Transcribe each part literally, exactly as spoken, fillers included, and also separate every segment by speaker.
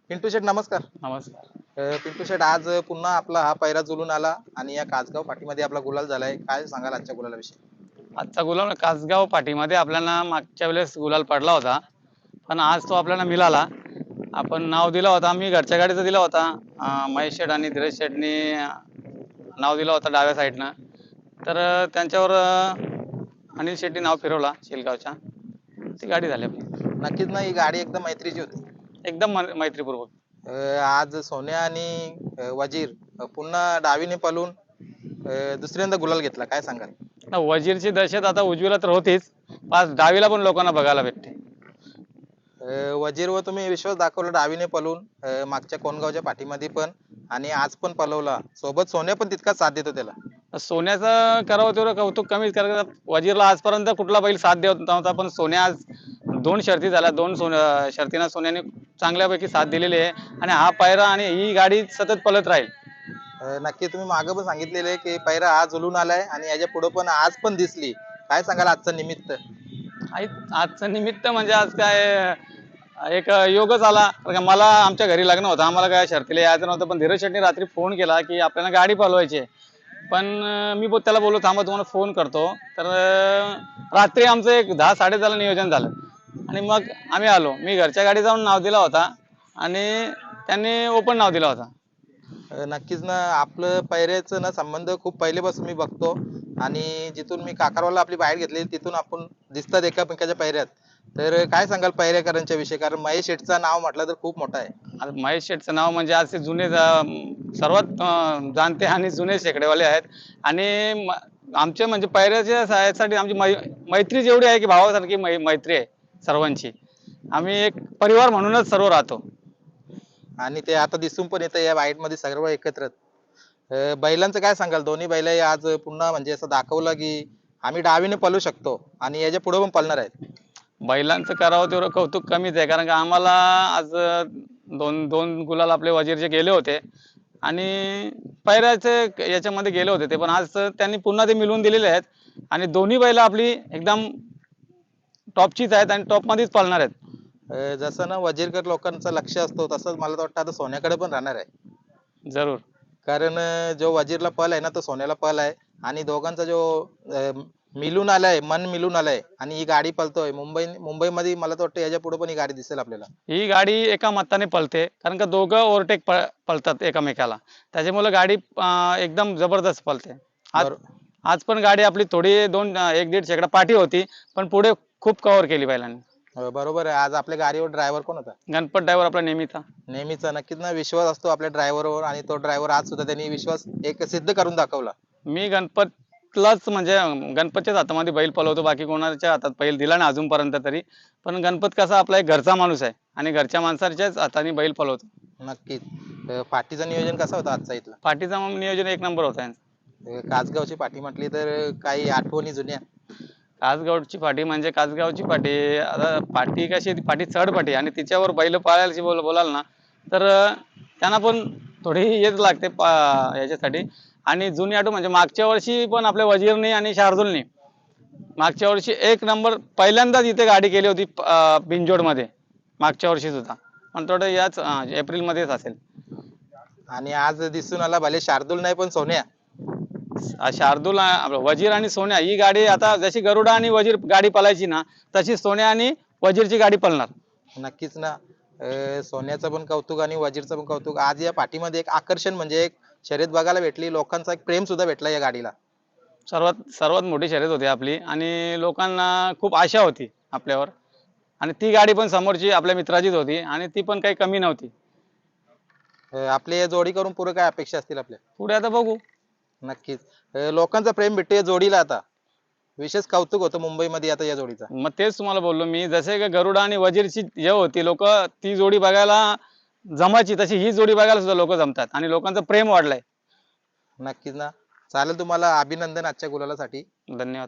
Speaker 1: पिंटू शेठ नमस्कार.
Speaker 2: नमस्कार.
Speaker 1: अ, पिंटू शेठ आज पुन्हा आपला हा पैरा जुलून आला आणि या कासगाव पाठीमध्ये आपला गुलाल झालाय. काय सांगाल आजच्या गुलालाविषयी?
Speaker 2: आजचा गुलाल कासगाव पाठीमध्ये आपल्याला मागच्या वेळेस गुलाल पडला होता, पण आज तो आपल्याला मिळाला. आपण नाव दिला होता, मी घरच्या गाडीचा दिला होता. अं, महेश शेठ आणि धीरज शेठनी नाव दिला होता डाव्या साईडनं. तर अं, त्यांच्यावर अं, अनिल शेट्टी नाव फिरवला शेलगावच्या. ती गाडी झाली आपली
Speaker 1: नक्कीच ना, ही गाडी एकदम मैत्रीची होती.
Speaker 2: एकदम मै- मैत्रीपूर्वक.
Speaker 1: अ, आज सोन्या आणि अ, वजीर अ, पुन्हा डावीने पळून अ, दुसऱ्यांदा गुलाल घेतला. काय सांगाल?
Speaker 2: आता वजीरची दहशत आता उजवीला तर होतीच, पाच डावीला पण लोकांना बघायला भेटते.
Speaker 1: अ, वजीरवर तुम्ही विश्वास दाखवला डावीने पळून अ, मागच्या कोणगावच्या पाठीमध्ये पण आणि आज पण पळवला. सोबत सोन्या पण तितकाच साथ देतो त्याला.
Speaker 2: सोन्याचं करावं तेवढं कौतुक कमीच, कारण वजीरला आजपर्यंत कुठला बैल साथ देत नव्हता, पण सोन्या आज दोन शर्ती झाल्या, दोन सोन शर्तींना सोन्याने चांगल्यापैकी साथ दिलेली आहे. आणि हा पायरा आणि ही गाडी सतत पळत राहील.
Speaker 1: अ, नक्की तुम्ही मागे पण सांगितलेलं आहे की पैरा आज झुलून आलाय आणि याच्या पुढे पण आज पण दिसली. काय सांगाल आजचं निमित्त?
Speaker 2: आई- आजचं निमित्त म्हणजे आज काय एक योगच आला, कारण का मला आमच्या घरी लग्न होतं, आम्हाला काय शर्तीला यायचं नव्हतं, पण धीरज शेट्टी रात्री फोन केला की आपल्याला गाडी पळवायची आहे. पण अं, मी बो- त्याला बोललो थांबा तुम्हाला फोन करतो. तर अं, रात्री आमचं एक दहा साडे दहाला नियोजन झालं आणि मग आम्ही आलो. मी घरच्या गाडी जाऊन नाव दिला होता आणि त्यांनी ओपन नाव दिला होता.
Speaker 1: अ, नक्कीच ना, आपलं पैऱ्याचं ना संबंध खूप पहिलेपासून मी बघतो आणि जिथून मी काकारवाला आपली बाहेर घेतली तिथून आपण दिसतात एकामेकाच्या पैऱ्यात. तर काय सांगाल पैरेकरांच्या विषयी? कारण महेश शेठचं नाव म्हटलं तर खूप मोठं आहे.
Speaker 2: आता महेश शेठचं नाव म्हणजे आज ते जुने जा- सर्वात अं, जाणते आणि जुने शेकडेवाले आहेत. आणि म- आमच्या म्हणजे पैऱ्याच्या साठी आमची मै मैत्री जेवढी आहे की भावासारखी मै मैत्री आहे सर्वांची. आम्ही एक परिवार म्हणूनच सर्व राहतो.
Speaker 1: आणि ते आता दिसून पण येतं या बाईट मध्ये सर्व एकत्र. अ, बैलांचं काय सांगाल? दोन्ही बैल आज पुन्हा म्हणजे असं दाखवलं की आम्ही डावीने पळू शकतो आणि याच्या पुढे पण पळणार आहेत.
Speaker 2: बैलांचं करावं तेवढं कौतुक कमीच आहे, कारण का आम्हाला आज दोन दोन गुलाल आपले वजीरचे गेले होते आणि पैऱ्याचे याच्यामध्ये गेले होते ते, पण आज त्यांनी पुन्हा ते मिळवून दिलेले आहेत. आणि दोन्ही बैल आपली एकदम टॉपचीच आहेत आणि टॉपमध्येच पळणार आहेत.
Speaker 1: अ, जसं ना वजीरकर लोकांचं लक्ष असतो तसंच मला तर वाटतं आता सोन्याकडे पण राहणार आहे.
Speaker 2: जरूर.
Speaker 1: कारण अ, जो वजीरला पल आहे ना तो सोन्याला पल आहे आणि दोघांचा जो अ, मिलून आलाय, मन मिलून आलाय आणि ही गाडी पलतोय मुंबई मुंबईमध्ये. मला तर वाटतं याच्या पुढे पण ही गाडी दिसेल आपल्याला.
Speaker 2: ही गाडी एका मताने पळते, कारण का दोघं ओव्हरटेक पळ पळतात एकमेकाला. त्याच्यामुळे गाडी अं, एकदम जबरदस्त पळते. आज
Speaker 1: बरो
Speaker 2: आज पण गाडी आपली थोडी दोन अं, एक दीड शेकडा पाठी होती, पण पुढे खूप कव्हर केली बैलांनी.
Speaker 1: अ, बरोबर आहे. आज आपल्या गाडीवर ड्रायव्हर कोण होता?
Speaker 2: गणपत ड्रायव्हर आपला नेहमीचा.
Speaker 1: नेहमीचा. नक्कीच ना, विश्वास असतो आपल्या ड्रायव्हरवर आणि तो ड्रायव्हर आज सुद्धा त्यांनी विश्वास एक सिद्ध करून दाखवला.
Speaker 2: मी गणपतलाच म्हणजे अं, गणपतच्याच हातामध्ये बैल पळवतो, बाकी कोणाच्या हातात बैल दिला नाही अजूनपर्यंत तरी. पण गणपत कसा आपला एक घरचा माणूस आहे आणि घरच्या माणसाच्याच हाताने बैल पळवतो.
Speaker 1: नक्कीच. अ, पाठीचं नियोजन कसं होतं आजचा इथला?
Speaker 2: पाठीचा मग नियोजन एक नंबर होता यांचा.
Speaker 1: अ, कासगावची पाठी म्हटली तर काही आठवणी जुन्या.
Speaker 2: कासगावची पाटी म्हणजे कासगावची पाटी. आता पाटी कशी ती पाटी चढ पाटी आणि तिच्यावर बैल पाळायची बोल बोलाल ना, तर अं, त्यांना पण थोडी हेच लागते पा याच्यासाठी. आणि जुनी आठवण म्हणजे मागच्या वर्षी पण आपल्या वजीरनी आणि शार्दूलनी मागच्या वर्षी एक नंबर पहिल्यांदाच इथे गाडी केली होती अं, बिनजोडमध्ये. मागच्या वर्षी सुद्धा, पण थोडं याच अं, एप्रिलमध्येच असेल.
Speaker 1: आणि आज दिसून आला भले शार्दूल नाही पण सोन्या.
Speaker 2: आ- शार्दूल आ- आपलं वजीर आणि सोन्या ही गाडी आता जशी गरुडा आणि वजीर गाडी पळायची ना, तशी सोन्या आणि वजीरची गाडी पळणार.
Speaker 1: नक्कीच ना. अ, सोन्याचं पण कौतुक आणि वजीरचं पण कौतुक. आज या पाठीमध्ये एक आकर्षण म्हणजे एक शर्यत बघायला भेटली. लोकांचा एक प्रेम सुद्धा भेटला या गाडीला.
Speaker 2: सर्वात सर्वात मोठी शर्यत होती आपली आणि लोकांना खूप आशा होती आपल्यावर. आणि ती गाडी पण समोरची आपल्या मित्राचीच होती आणि ती पण काही कमी नव्हती.
Speaker 1: अ, आपल्या या जोडी करून पुढे काय अपेक्षा असतील आपल्या?
Speaker 2: पुढे आता बघू.
Speaker 1: नक्कीच. अ, लोकांचा प्रेम भेटतो या जोडीला आता. विशेष कौतुक होतं मुंबईमध्ये आता या जोडीचा.
Speaker 2: मग तेच तुम्हाला बोललो मी, जसे का गरुडा आणि वजीरची हे होती, लोक ती जोडी बघायला जमायची, तशी ही जोडी बघायला सुद्धा लोक जमतात आणि लोकांचं प्रेम वाढलंय.
Speaker 1: नक्कीच ना. चालेल, तुम्हाला अभिनंदन आजच्या गुलालासाठी.
Speaker 2: धन्यवाद.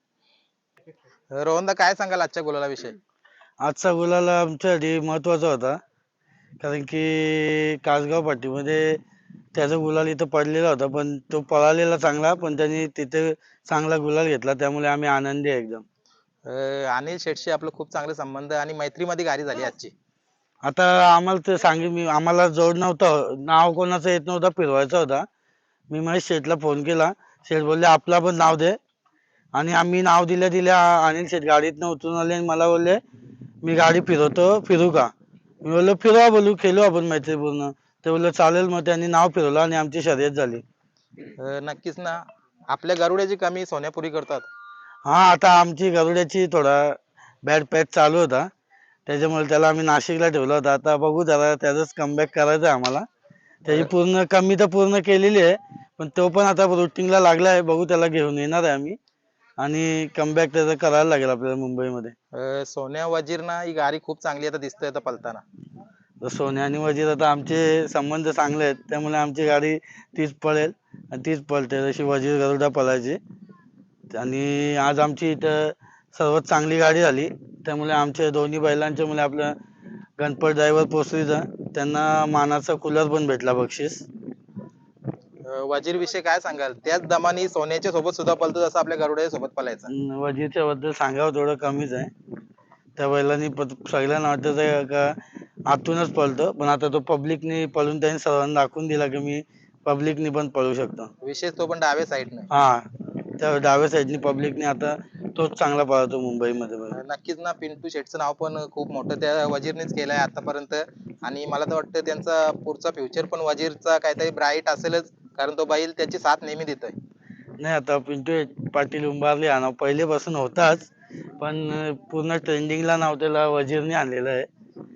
Speaker 1: रोहनदा काय सांगाल आजच्या गुलालाविषयी?
Speaker 3: आजचा गुलाल आमच्यासाठी महत्त्वाचा होता, कारण की कासगाव पाटीमध्ये त्याचा गुलाल इथं पडलेला होता, पण तो पळालेला चांगला, पण त्यांनी तिथे चांगला गुलाल घेतला, त्यामुळे आम्ही आनंदी आहे एकदम.
Speaker 1: अ, अनिल शेठशी आपलं खूप चांगले संबंध आणि मैत्रीमध्ये गाडी झाली आजची.
Speaker 3: आता आम्हाला ते सांगितलं, मी आम्हाला जोड नव्हतं, नाव कोणाचं येत नव्हतं, फिरवायचा होता. मी महेश शेठला फोन केला. शेठ बोलले आपला पण नाव दे. आणि आम्ही नाव दिल्या दिल्या अनिल शेठ गाडीतनं उतरून आले आणि मला बोलले मी गाडी फिरवतो, फिरू का? मी बोललो फिरवा, बोलू खेळू आपण मैत्रीपूर्ण. ते बोलले चालेल. मग त्यांनी नाव फिरवलं आणि आमची शर्यत झाली.
Speaker 1: अं, नक्कीच ना. आपल्या गरुड्याची कमी सोन्यापुरी करतात.
Speaker 3: हा, आता आमची गरुड्याची थोडा बॅड पॅच चालू होता, त्याच्यामुळे त्याला आम्ही नाशिकला ठेवला होता. आता बघू जरा त्याचाच कमबॅक करायचा आहे आम्हाला. त्याची पूर्ण कमी तर पूर्ण केलेली आहे, पण तो पण आता रुटीनला लागला आहे. बघू, त्याला घेऊन येणार आहे आम्ही आणि कमबॅक त्याचा करायला लागेल आपल्याला मुंबईमध्ये.
Speaker 1: अं, सोन्या वजीर ना ही गाडी खूप चांगली आता दिसतंय आता पलताना.
Speaker 3: तर सोन्या आणि वजीर आता आमचे संबंध चांगले आहेत, त्यामुळे आमची गाडी तीच पळेल आणि तीच पळते जशी वजीर गरुडा पळायची. आणि आज आमची इथं सर्वात चांगली गाडी झाली, त्यामुळे आमच्या दोन्ही बैलांच्या मुळे आपलं गणपत ड्रायव्हर पोचरीचा त्यांना मानाचा कूलर पण भेटला बक्षीस.
Speaker 1: अं, वजीर विषयी काय सांगाल? त्याच दमाने सोन्याच्या सोबत सुद्धा पलतो जसं आपल्या गरुड्या सोबत पलायचा.
Speaker 3: अन वजीरच्या बद्दल सांगावं थोडं कमीच आहे. त्या बैलांनी प- सगळ्यांना वाटतं का आतूनच पळतो, पण आता तो पब्लिकनी पळून त्यांनी सर्वांना दाखवून दिला की मी पब्लिकनी पण पळू शकतो.
Speaker 1: विशेष तो पण डाव्या साईडनं.
Speaker 3: हा, त्या डाव्या साईडनी पब्लिकनी आता तोच चांगला पळतो मुंबईमध्ये बैल.
Speaker 1: नक्कीच ना. पिंटू शेटचं नाव पण खूप मोठं त्या वजीरनेच केलंय आतापर्यंत. आणि मला तर वाटतं त्यांचा पुढचा फ्युचर पण वजीरचा काहीतरी ब्राईट असेलच, कारण तो बैल त्याची साथ नेहमी देतोय.
Speaker 3: नाही, आता पिंटू पाटील उंबारले हा नाव पहिलेपासून होताच, पण पूर्ण ट्रेंडिंगला नाव त्याला वजीरने आणलेलं आहे.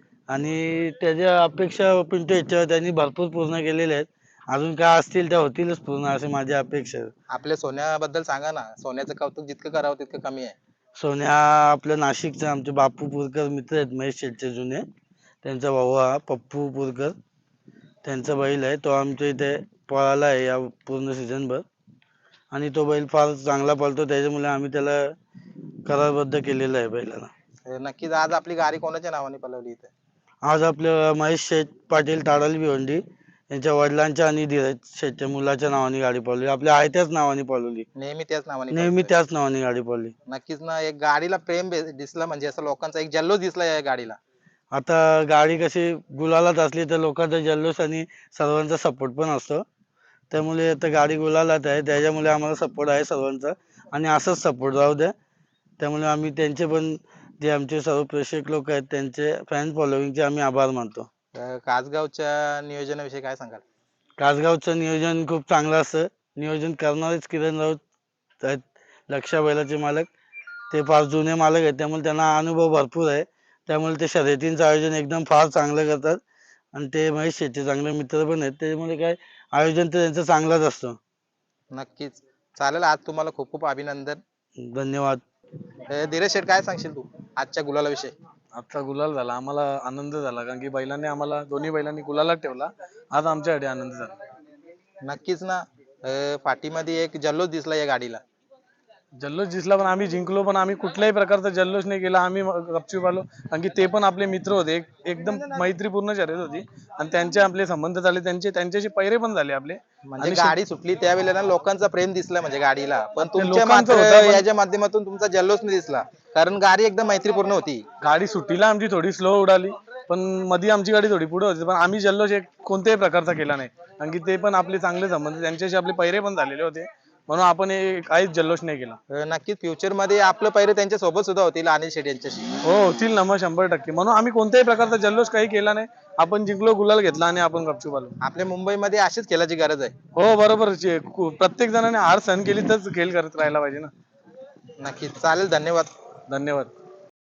Speaker 3: आणि त्याच्या अपेक्षा पिंटू याच्यावर त्यांनी भरपूर पूर्ण केलेल्या आहेत. अजून काय असतील त्या होतीलच पूर्ण, असे माझी अपेक्षा आहे.
Speaker 1: आपल्या सोन्याबद्दल सांगा ना. सोन्याचं कौतुक जितकं करावं तितकं कमी आहे.
Speaker 3: सोन्या आपल्या नाशिकचे आमचे बापू पुरकर मित्र आहेत, महेश शेठचे जुने. त्यांचा भाऊ हा पप्पू पुरकर, त्यांचा बैल आहे. तो आमच्या इथे पळाला आहे या पूर्ण सीझनभर आणि तो बैल फार चांगला पळतो, त्याच्यामुळे आम्ही त्याला करारबद्ध केलेलं आहे बैलाला.
Speaker 1: अं, नक्कीच आज आपली गाडी कोणाच्या नावाने पलवली इथे?
Speaker 3: आज आपल्या महेश शेठ पाटील ताडाली भिवंडी यांच्या वडिलांच्या आणि धीरज शेठच्या मुलाच्या नावाने गाडी पळवली. आपल्या आहे त्याच नावाने पळवली,
Speaker 1: नेहमी त्याच नावाने
Speaker 3: नेहमी
Speaker 1: पळतोय.
Speaker 3: त्याच नावाने गाडी पळवली.
Speaker 1: नक्कीच ना. एक गाडीला प्रेम बे- दिसलं म्हणजे असं लोकांचा एक जल्लोष दिसला या गाडीला.
Speaker 3: आता गाडी कशी गुलालात असली तर लोकांचा जल्लोष आणि सर्वांचा सपोर्ट पण असतो, त्यामुळे आता गाडी गुलालात आहे, त्याच्यामुळे आम्हाला सपोर्ट आहे सर्वांचा आणि असंच सपोर्ट राहू द्या. त्यामुळे आम्ही त्यांचे पण, जे आमचे सर्व प्रेक्षक लोक आहेत त्यांचे फॅन फॉलोविंगचे आम्ही आभार मानतो.
Speaker 1: अं, कासगावच्या नियोजनाविषयी काय सांगाल?
Speaker 3: कासगावचं नियोजन खूप चांगलं असतं. नियोजन करणारेच किरण राऊत आहेत, लक्षा बैलाचे मालक. ते फार जुने मालक आहेत, त्यामुळे त्यांना अनुभव भरपूर आहे. त्यामुळे ते शर्यतींचं आयोजन एकदम फार चांगलं करतात आणि ते महेश शेट्टी चांगले मित्र पण आहेत, त्याच्यामुळे काय आयोजन तर त्यांचं चांगलंच असतं.
Speaker 1: नक्कीच. चालेल. आज तुम्हाला खूप खूप अभिनंदन.
Speaker 3: धन्यवाद.
Speaker 1: अं, धीरज शेठ काय सांगशील तू आजच्या गुलालाविषयी?
Speaker 4: आजचा गुलाल झाला, आम्हाला आनंद झाला, कारण की बैलांनी आम्हाला दोन्ही बैलांनी गुलालात ठेवला. आज आमच्यासाठी आनंद झाला.
Speaker 1: नक्कीच ना. अं, पाठीमध्ये एक जल्लोष दिसला या गाडीला.
Speaker 4: जल्लोष दिसला, पण आम्ही जिंकलो, पण आम्ही कुठल्याही प्रकारचा जल्लोष नाही केला. आम्ही गपचूप आलो, कारण की ते पण आपले मित्र होते. एक एकदम मैत्रीपूर्ण शर्यत होती आणि त्यांचे आपले संबंध झाले, त्यांचे त्यांच्याशी पैरे पण झाले आपले.
Speaker 1: म्हणजे
Speaker 4: आणि
Speaker 1: गाडी सुटली त्यावेळेला ना लोकांचा प्रेम दिसला म्हणजे गाडीला, पण तुमच्या
Speaker 4: लोकांचं
Speaker 1: मात्र
Speaker 4: होतं, पण-
Speaker 1: याच्या माध्यमातून तुमचा जल्लोष नाही दिसला, कारण गाडी एकदम मैत्रीपूर्ण होती.
Speaker 4: गाडी सुट्टीला आमची थोडी स्लो उडाली, पण मध्ये आमची गाडी थोडी पुढे होती, पण आम्ही जल्लोष एक कोणत्याही प्रकारचा केला नाही, कारण की ते पण आपले चांगले संबंध, त्यांच्याशी आपले पैरे पण झालेले होते, म्हणून आपण हे काहीच जल्लोष नाही केला.
Speaker 1: अं, नक्कीच फ्युचर मध्ये आपलं पैरे त्यांच्या सोबत सुद्धा होतील अनिल शेट्टी यांच्याशी.
Speaker 4: हो, होतील ना, मग शंभर टक्के. म्हणून आम्ही कोणत्याही प्रकारचा जल्लोष काही केला नाही. आपण जिंकलो, गुलाल घेतला आणि आपण गपचूप आलो.
Speaker 1: आपल्या मुंबईमध्ये अशीच खेळाची गरज आहे.
Speaker 4: हो, बरोबर. जे- कु- प्रत्येक जणाने हार सहन केली तरच खेळ करत राहायला पाहिजे ना.
Speaker 1: नक्कीच. चालेल. धन्यवाद.
Speaker 4: धन्यवाद.